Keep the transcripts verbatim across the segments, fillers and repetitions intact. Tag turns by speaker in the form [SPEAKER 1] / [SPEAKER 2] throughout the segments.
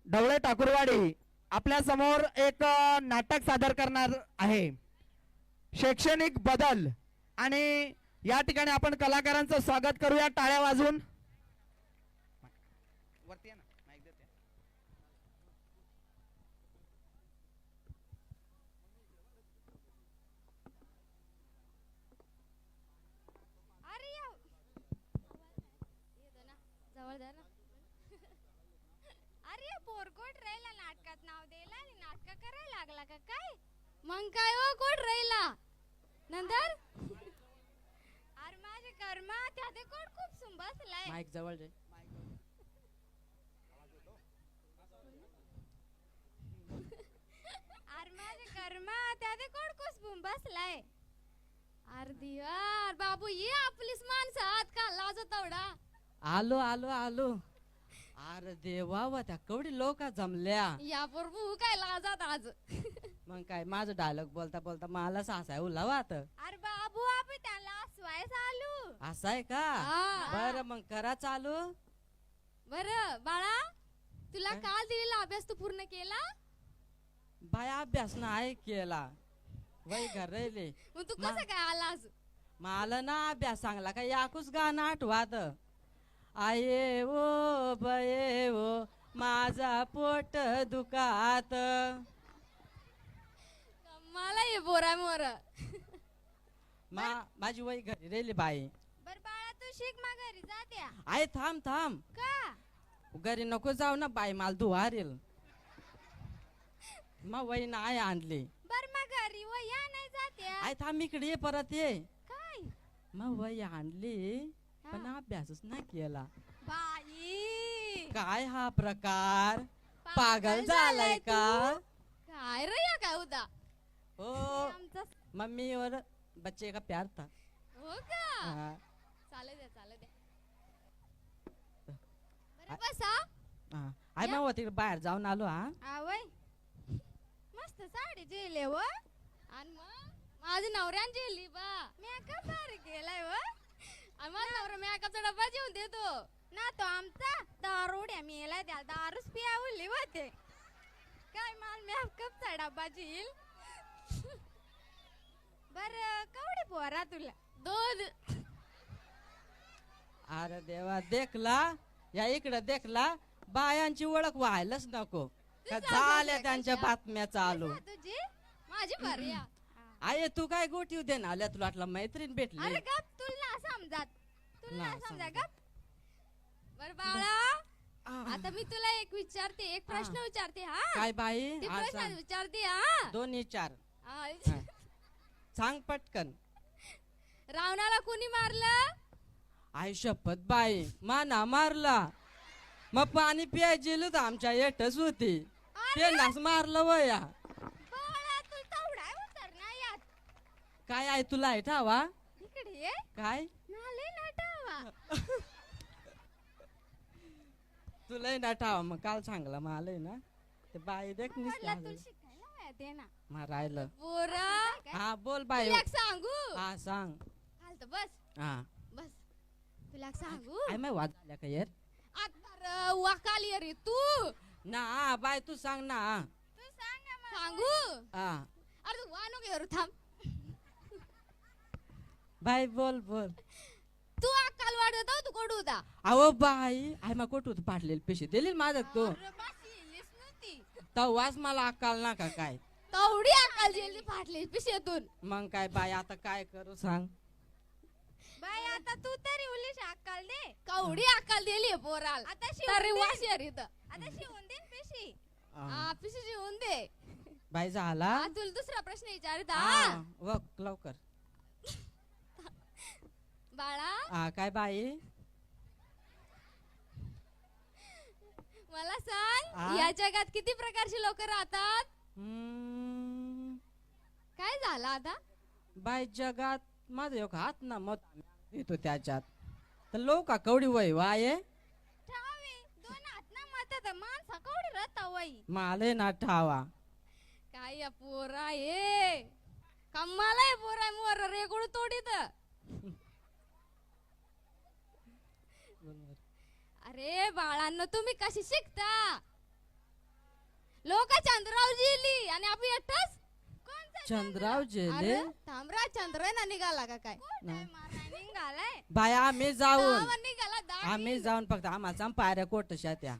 [SPEAKER 1] ढवळे ठाकूरवाडी आपल्या समोर एक अ, नाटक सादर करणार आहे, शैक्षणिक बदल. आणि या ठिकाणी आपण कलाकारांचं स्वागत करूया टाळ्या वाजवून. वरती या ना, माईक देते.
[SPEAKER 2] अरे या येतो ना जवळ द्या ना. अरे पोरकोट राहिला नाटकात नाव द्यायला आणि नाटक करायला लागला का काय? मग काय हो कोट राहिला नंतर अरे माझे कर्मा त्या ते कोट खूप सुंबसलाय.
[SPEAKER 1] माईक जवळ दे.
[SPEAKER 2] अरे माझे कर्मा त्या ते कोट खूप सुंबसलाय. अरे दिवार बाबू ये आपलीच माणसं आत का लाजो तेवढा.
[SPEAKER 3] आलो आलो आलो. अरे देवा व त्या कवडी लोक जमल्या.
[SPEAKER 2] या प्रभू काय लाजात आज.
[SPEAKER 3] मग काय माझं डायलॉग बोलता बोलता मला सासाय उलावात.
[SPEAKER 2] अरे बाबू आपण त्याला असवाय चालू.
[SPEAKER 3] असं आहे का?
[SPEAKER 2] हा.
[SPEAKER 3] बर मग करा चालू.
[SPEAKER 2] बर बाळा तुला
[SPEAKER 3] काय?
[SPEAKER 2] काल दिलेला अभ्यास तू पूर्ण केला?
[SPEAKER 3] बाय अभ्यास नाही केला. वय घर राहिले.
[SPEAKER 2] मग तू
[SPEAKER 3] मा-
[SPEAKER 2] कसं काय आलास?
[SPEAKER 3] मला ना अभ्यास सांगला का याकूच गाणं आठवात. आये ओ बये ओ माझा पोट दुखात.
[SPEAKER 2] मला ये बोरा मोर.
[SPEAKER 3] मा माझी वय घरी राहिली बाई.
[SPEAKER 2] बर बाळा तू शिक मा घरी जात्या
[SPEAKER 3] आय थांब थांब.
[SPEAKER 2] का?
[SPEAKER 3] घरी नको जाऊ ना बाई मला धुवारेल. मग वही नाही आणली.
[SPEAKER 2] बर मा घरी व या नाही जात्या
[SPEAKER 3] आय थांब इकडे ये परत ये.
[SPEAKER 2] काय?
[SPEAKER 3] मग वही आणली पण
[SPEAKER 2] हा.
[SPEAKER 3] अभ्यासच नाही केला.
[SPEAKER 2] बाई
[SPEAKER 3] काय हा प्रकार? पागल झालाय का?
[SPEAKER 2] काय रे या काय होता
[SPEAKER 3] हो
[SPEAKER 2] आमचा?
[SPEAKER 3] मम्मी और बच्चे का प्यार था.
[SPEAKER 2] हो का?
[SPEAKER 3] हाँ,
[SPEAKER 2] चालू द्या चालू द्या. बरं बसा.
[SPEAKER 3] हाँ. आय मग वो तिकडे बाहेर जाऊन आलो. हा
[SPEAKER 2] आवय मस्त साडी जेले व आणि मग माझी नवऱ्यान जेली बा. मेकअप भारी केलाय व आणि माझा नवरा मेकअपचा डब्बा जेवून देतो ना. तो आमचा दारुड्या मेला त्या दारूच पियावली होते काय माल मेकअपचा डब्बा जेईल. बर कवडे पोरा तुला दूध.
[SPEAKER 3] अरे देवा देखला या इकडे देखला बायांची ओळख व्हायलाच नको का झाल्या त्यांच्या बातम्या चालू.
[SPEAKER 2] कशी आहे तुझी माझी बरी आहे.
[SPEAKER 3] आये तू काय गोटी दे ना आल्या तुला वाटलं मैत्रीण भेटली.
[SPEAKER 2] अरे गप तुला समजात तुला
[SPEAKER 3] ना
[SPEAKER 2] समजा
[SPEAKER 3] समजत.
[SPEAKER 2] गप. बर बाळा आता मी तुला एक विचारते एक प्रश्न
[SPEAKER 3] हा.
[SPEAKER 2] विचारते हा.
[SPEAKER 3] काय बाई
[SPEAKER 2] ते
[SPEAKER 3] हा,
[SPEAKER 2] प्रश्न
[SPEAKER 3] सांग.
[SPEAKER 2] विचारते हा.
[SPEAKER 3] दोन्ही चार
[SPEAKER 2] हा.
[SPEAKER 3] हा. सांग पटकन.
[SPEAKER 2] रावणाला कुणी मारलं?
[SPEAKER 3] आई शपथ बाई माना मारला. मग पाणी प्यायची तर आमच्या येटच होती. पेंडास मारलं वया.
[SPEAKER 2] बाळा तू तेवढा उतर ना यात.
[SPEAKER 3] काय आहे तुला आहे ठावा?
[SPEAKER 2] इकडे ये.
[SPEAKER 3] काय
[SPEAKER 2] नाले नटावा.
[SPEAKER 3] तुला ना ठावा मग काल सांगला मला ना ते बाई देख
[SPEAKER 2] म्हणलं तुला
[SPEAKER 3] निसते
[SPEAKER 2] शिकायला येते ना.
[SPEAKER 3] मारायला.
[SPEAKER 2] पोरा
[SPEAKER 3] हा बोल बाई.
[SPEAKER 2] तुला एक सांगू.
[SPEAKER 3] हा सांग.
[SPEAKER 2] हालत बस
[SPEAKER 3] हा
[SPEAKER 2] बस तुला एक सांगू.
[SPEAKER 3] आई माय वाद झाल्या का यार?
[SPEAKER 2] आता वाकाली रे तू.
[SPEAKER 3] ना बाय तू सांग ना.
[SPEAKER 2] तू सांग ना मला. सांगू.
[SPEAKER 3] हा
[SPEAKER 2] अरे तू वानो घेऊ थांब.
[SPEAKER 3] बाय बोल बोल.
[SPEAKER 2] तू अक्काल वाढत तू कोड होता.
[SPEAKER 3] अहो बाई आई मा कोट होत पाटलेले पैसे दिले माझ्यात तू.
[SPEAKER 2] अरे बाशी येलीस नव्हती.
[SPEAKER 3] तवाच मला अक्काल ना का काय?
[SPEAKER 2] तेवढी अक्काल जेली फाटली पिशेतून.
[SPEAKER 3] मग काय बाई आता काय करू सांग.
[SPEAKER 2] बाई आता तू तरी उलीश अक्काल दे. कवडी अक्काल दिली पोराल. आता तरी वाशेर इथं. आता शिवून दे पिशी.
[SPEAKER 3] हा.
[SPEAKER 2] हा पिशी शिवून दे.
[SPEAKER 3] बाई झाला.
[SPEAKER 2] हा तुला दुसरा प्रश्न विचारित
[SPEAKER 3] हा,
[SPEAKER 2] हा.
[SPEAKER 3] वक लवकर.
[SPEAKER 2] बाळा
[SPEAKER 3] हा काय बाई?
[SPEAKER 2] मला सांग
[SPEAKER 3] हा?
[SPEAKER 2] या जगात किती प्रकारची लोक राहतात?
[SPEAKER 3] हम्म,
[SPEAKER 2] काय झालं आता?
[SPEAKER 3] बाई जगात माझा एक हात ना मत येतो त्याच्यात तर लोक कवडी वय वाये
[SPEAKER 2] ठावे दोन हात ना मतात माणसा कवडी राहता वई.
[SPEAKER 3] माले ना ठावा.
[SPEAKER 2] काय या पोरा ये कम्माला आहे पोरा मोर रेगोड तोडीत. अरे बाळांनो तुम्ही कशी शिकता? लोक चंद्राव जिली आणि आपण एकटाच कोणचा
[SPEAKER 3] चंद्राव जेले
[SPEAKER 2] अरे थांबरा चंद्र ना निघाला का काय
[SPEAKER 3] नाही.
[SPEAKER 2] निघालाय
[SPEAKER 3] बाय आम्ही जाऊन
[SPEAKER 2] गावात निघाला दाढी.
[SPEAKER 3] आम्ही जाऊन फक्त आम्हाला पायऱ्या कोटशा त्या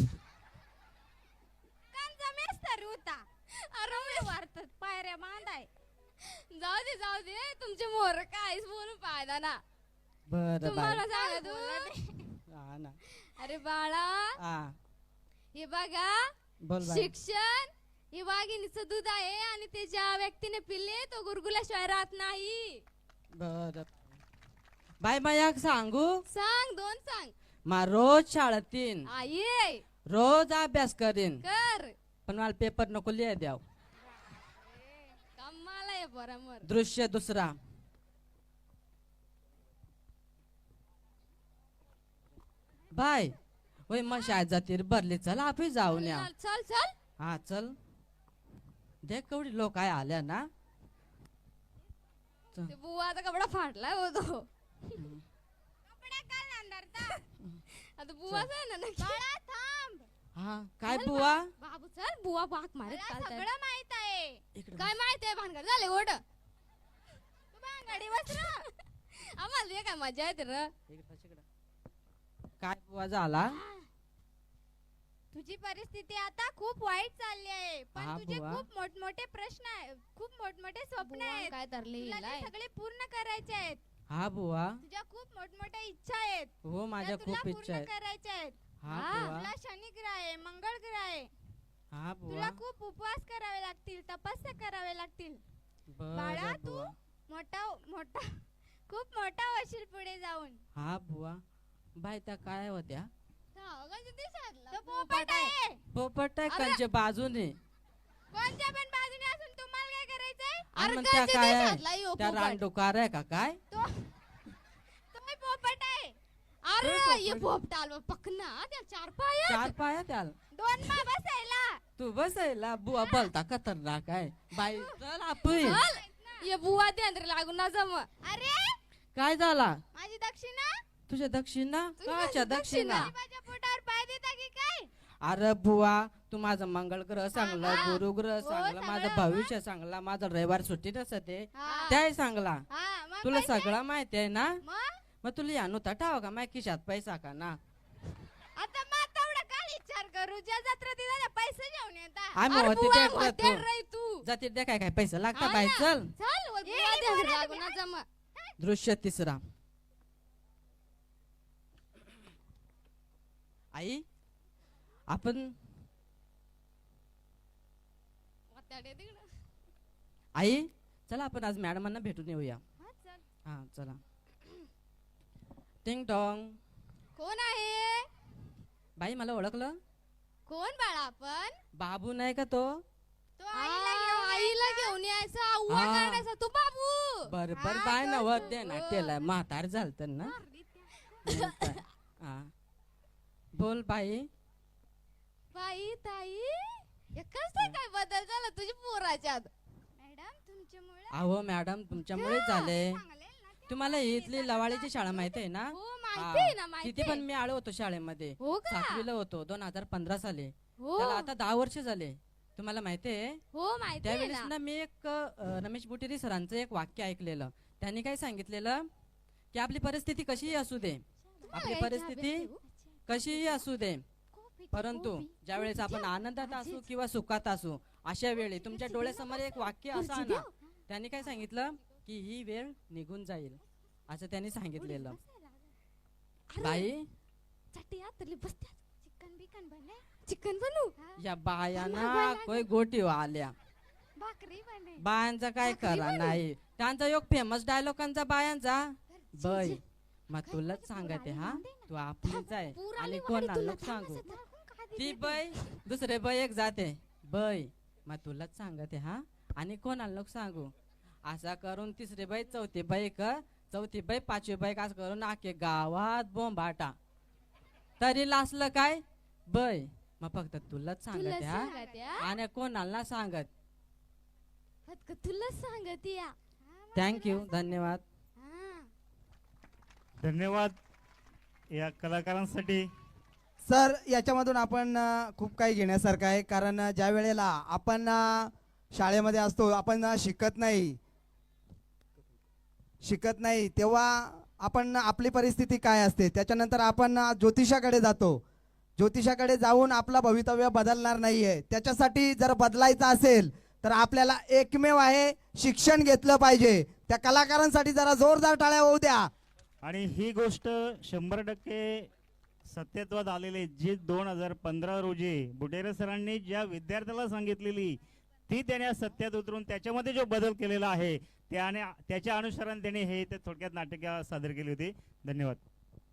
[SPEAKER 2] कांचा मेस्तर होता अरे वारतात पायऱ्या बांधाय जाऊ दे जाऊ दे तुमचे मोर काहीच बोलून फायदा ना
[SPEAKER 3] बर बाय
[SPEAKER 2] तुम्हाला सांगा तू
[SPEAKER 3] हा ना
[SPEAKER 2] अरे बाळा
[SPEAKER 3] हा
[SPEAKER 2] हे बघा
[SPEAKER 3] बोल बाय
[SPEAKER 2] शिक्षण हे वाघिणीचं दूध आहे आणि ते ज्या व्यक्तीने पिले तो गुरगुल्याशिवाय राहत नाही
[SPEAKER 3] बर बाय बाय सांगू
[SPEAKER 2] सांग दोन सांग
[SPEAKER 3] मा रोज शाळेतीन
[SPEAKER 2] आई
[SPEAKER 3] रोज अभ्यास करीन
[SPEAKER 2] कर
[SPEAKER 3] पण मला पेपर नको लिहाय द्याव
[SPEAKER 2] कमाला आहे बरोबर
[SPEAKER 3] दृश्य दुसरा बाय होय मग शाळेत जातील भरली चल आपण जाऊन या
[SPEAKER 2] चल चल
[SPEAKER 3] हा चल देख केवढी लोक आहे आल्या ना
[SPEAKER 2] ते बुवाचा कपडा फाटलाय होतो कपडा काल अंदरचा आता बुवाचा आहे ना नक्की बाळा थांब
[SPEAKER 3] हा काय बुवा
[SPEAKER 2] बाबू चल बुवा बाक मारत चालतंय सगळं माहित आहे
[SPEAKER 3] इकडे
[SPEAKER 2] काय माहित आहे भानगड झाले ओढ तू भानगडी बस ना आम्हाला हे काय मजा येते र
[SPEAKER 3] इकडे बस इकडे. काय बुवा झाला
[SPEAKER 2] तुझी परिस्थिती आता खूप वाईट चालली आहे पण
[SPEAKER 3] हा,
[SPEAKER 2] तुझे
[SPEAKER 3] बुवा.
[SPEAKER 2] खूप मोठमोठे प्रश्न आहे खूप मोठमोठे स्वप्न आहेत काय तरली सगळे पूर्ण करायचे आहेत
[SPEAKER 3] हा बुवा
[SPEAKER 2] तुझ्या खूप मोठमोठ्या इच्छा आहेत
[SPEAKER 3] हो माझ्या
[SPEAKER 2] त्या तुला
[SPEAKER 3] खूप इच्छा
[SPEAKER 2] पूर्ण
[SPEAKER 3] आहेत
[SPEAKER 2] करायच्या आहेत
[SPEAKER 3] हा
[SPEAKER 2] हा,
[SPEAKER 3] बुवा
[SPEAKER 2] तुला शनी ग्रह आहे मंगळ ग्रह आहे
[SPEAKER 3] हा बुवा
[SPEAKER 2] तुला खूप उपवास करावे लागतील तपस्या करावे लागतील
[SPEAKER 3] बर
[SPEAKER 2] बाळा, तू?
[SPEAKER 3] बुवा
[SPEAKER 2] मोठा मोठा खूप मोठा होशील पुढे जाऊन
[SPEAKER 3] हा बुवा बाय त्या काय होत्या
[SPEAKER 2] तो पोपट आहे
[SPEAKER 3] पोपट आहे
[SPEAKER 2] अरे.
[SPEAKER 3] कंच्या बाजूने
[SPEAKER 2] कोणत्या पण बाजूने असून तुम्हाला काय करायचंय
[SPEAKER 3] आणि
[SPEAKER 2] अरे
[SPEAKER 3] मग त्या
[SPEAKER 2] कंच्या
[SPEAKER 3] काय
[SPEAKER 2] देशातला ह्यो
[SPEAKER 3] त्या
[SPEAKER 2] पोपट.
[SPEAKER 3] रानडुकार आहे का काय
[SPEAKER 2] तो तुम्ही पोपट आहे अरे
[SPEAKER 3] पोपट.
[SPEAKER 2] ये पोपट आलो पकना त्या चार पाय
[SPEAKER 3] चार पाया त्याला
[SPEAKER 2] दोन मा बसायला
[SPEAKER 3] तू बसायला बुवा बोलता खतरनाक आहे बाई चल आपण
[SPEAKER 2] चल ये बुवा देंद्र लागून ना जम अरे
[SPEAKER 3] काय झाला
[SPEAKER 2] माझी दक्षिणा
[SPEAKER 3] तुझ्या दक्षिणा
[SPEAKER 2] तुझी
[SPEAKER 3] काच्या
[SPEAKER 2] दक्षिणा.
[SPEAKER 3] दक्षिणा
[SPEAKER 2] माझ्या पोटावर पाय देता की काय
[SPEAKER 3] अरे बुवा तू माझं मंगळ ग्रह चांगला
[SPEAKER 2] हा.
[SPEAKER 3] गुरु ग्रह
[SPEAKER 2] हो,
[SPEAKER 3] चांगला माझं
[SPEAKER 2] सगळं
[SPEAKER 3] भविष्य चांगला माझं रविवार सुट्टी नसते
[SPEAKER 2] हा.
[SPEAKER 3] त्याही चांगला
[SPEAKER 2] हा, मग
[SPEAKER 3] तुला
[SPEAKER 2] पैसे?
[SPEAKER 3] सगळं माहिती आहे ना
[SPEAKER 2] मग
[SPEAKER 3] मग तुला या नव्हता ठाव का माझ्या खिशात पैसा का ना
[SPEAKER 2] आता मग तेवढा काय विचार करू ज्या जत्रा तिला पैसे घेऊन येतात
[SPEAKER 3] आम्ही
[SPEAKER 2] अरे
[SPEAKER 3] होते
[SPEAKER 2] बुवा,
[SPEAKER 3] त्या
[SPEAKER 2] होते
[SPEAKER 3] जत्रेत.
[SPEAKER 2] रे तू
[SPEAKER 3] जाती द्या काय काय पैसा लागता
[SPEAKER 2] हा
[SPEAKER 3] बाई
[SPEAKER 2] ना.
[SPEAKER 3] चल
[SPEAKER 2] चल वर बुवा देंद्र लागून ना जम
[SPEAKER 3] दृश्य तिसरा आई आपण
[SPEAKER 2] वाताडे तिकडं.
[SPEAKER 3] आई चला आपण आज मॅडमांना भेटून येऊया
[SPEAKER 2] हा, चल.
[SPEAKER 3] हा चला टिंग टॉंग
[SPEAKER 2] कोण आहे
[SPEAKER 3] बाई मला ओळखलं
[SPEAKER 2] कोण बाळा आपण
[SPEAKER 3] बाबू नाही का तो
[SPEAKER 2] तो आईला घेऊन आईला घेऊन यायचा आव्वा
[SPEAKER 3] हा.
[SPEAKER 2] काढायचा तू बाबू
[SPEAKER 3] बर बर
[SPEAKER 2] हा,
[SPEAKER 3] बाय
[SPEAKER 2] तो
[SPEAKER 3] ना वर
[SPEAKER 2] तू.
[SPEAKER 3] दे ना त्याला म्हातार झालत ना मग काय. हा बोल बाई
[SPEAKER 2] बाई ताई एकच ते काय बदल झाला तुझ्या पोराच्यात मॅडम तुमच्यामुळे
[SPEAKER 3] अहो मॅडम तुमच्यामुळेच झाले
[SPEAKER 2] चांगले ना ते.
[SPEAKER 3] तुम्हाला इथली लवाळीची शाळा माहिती आहे ना
[SPEAKER 2] हो माहिती आहे ना
[SPEAKER 3] हा.
[SPEAKER 2] माहिती
[SPEAKER 3] तिथे पण
[SPEAKER 2] आहे.
[SPEAKER 3] मी आलो होतो शाळेमध्ये
[SPEAKER 2] हो का
[SPEAKER 3] सातवीला होतो दोन हजार पंधरा साली
[SPEAKER 2] हो
[SPEAKER 3] त्याला आता दहा वर्ष झाले तुम्हाला माहिती आहे
[SPEAKER 2] हो माहिती आहे
[SPEAKER 3] त्यावेळेस
[SPEAKER 2] ना
[SPEAKER 3] ना मी एक अ, रमेश बुटेरी सरांचं एक वाक्य ऐकलेलं त्यांनी काय सांगितलेलं की आपली परिस्थिती कशीही असू दे आपली
[SPEAKER 2] काय
[SPEAKER 3] परिस्थिती
[SPEAKER 2] चहा भेटते?
[SPEAKER 3] कशीही असू दे
[SPEAKER 2] कॉफी,
[SPEAKER 3] परंतु
[SPEAKER 2] कॉफी.
[SPEAKER 3] ज्यावेळेस आपण आनंदात असू किंवा सुखात असू अशा वेळी तुमच्या डोळ्यासमोर एक वाक्य असं
[SPEAKER 2] खुर्ची
[SPEAKER 3] आणा त्यांनी काय सांगितलं की ही वेळ निघून जाईल असं त्यांनी सांगितलेलं
[SPEAKER 2] अरे,
[SPEAKER 3] बाई
[SPEAKER 2] चटई आतरली बसत्यात चिकन बिकन बने चिकन बनू
[SPEAKER 3] या बायांना कोय गोटी आल्या
[SPEAKER 2] भाकरी बने
[SPEAKER 3] बायांचा काय करा नाही त्यांचा एक फेमस डायलॉगांचा बायांचा बै मग तुलाच सांगते हा तू आपलीच आहे आणि कोणाला लोक सांगू ती बै दुसरे बै एक जाते बै मग तुलाच सांगते हा आणि कोणाला लोक सांगू असा करून तिसरे बाई चौथी बाई क चौथी बाई पाचवी बाई असं करून आखे गावात बोंबाटा तरी लासलं काय बै मग फक्त तुलाच सांगते हा आणि कोणाला ना सांगत
[SPEAKER 2] फक्त तुला सांगत या
[SPEAKER 3] थँक्यू धन्यवाद
[SPEAKER 2] हा.
[SPEAKER 4] धन्यवाद या कलाकारांसाठी
[SPEAKER 1] सर याच्यामधून आपण अ, खूप काही घेण्यासारखं आहे, कारण अ, ज्या वेळेला आपण अ, शाळेमध्ये असतो, आपण अ, शिकत नाही शिकत नाही तेव्हा आपण आपली परिस्थिती काय असते, त्याच्यानंतर आपण अ, ज्योतिषाकडे जातो. ज्योतिषाकडे जाऊन आपलं भवितव्य बदलणार नाहीये. त्याच्यासाठी जर बदलायचं असेल तर आपल्याला एकमेव आहे, शिक्षण घेतलं पाहिजे. त्या कलाकारांसाठी जरा जोरदार टाळ्या होऊ द्या.
[SPEAKER 4] आणि ही गोष्ट शंभर टक्के सत्यत्वात आलेली, जी दोन हजार पंधरा रोजी बुटेरे सरांनी ज्या विद्यार्थ्याला सांगितलेली ती त्याने सत्यात उतरून त्याच्यामध्ये जो बदल केलेला आहे त्याने त्याच्या अनुसरण त्याने हे ते थोडक्यात नाटक सादर केली होती. धन्यवाद.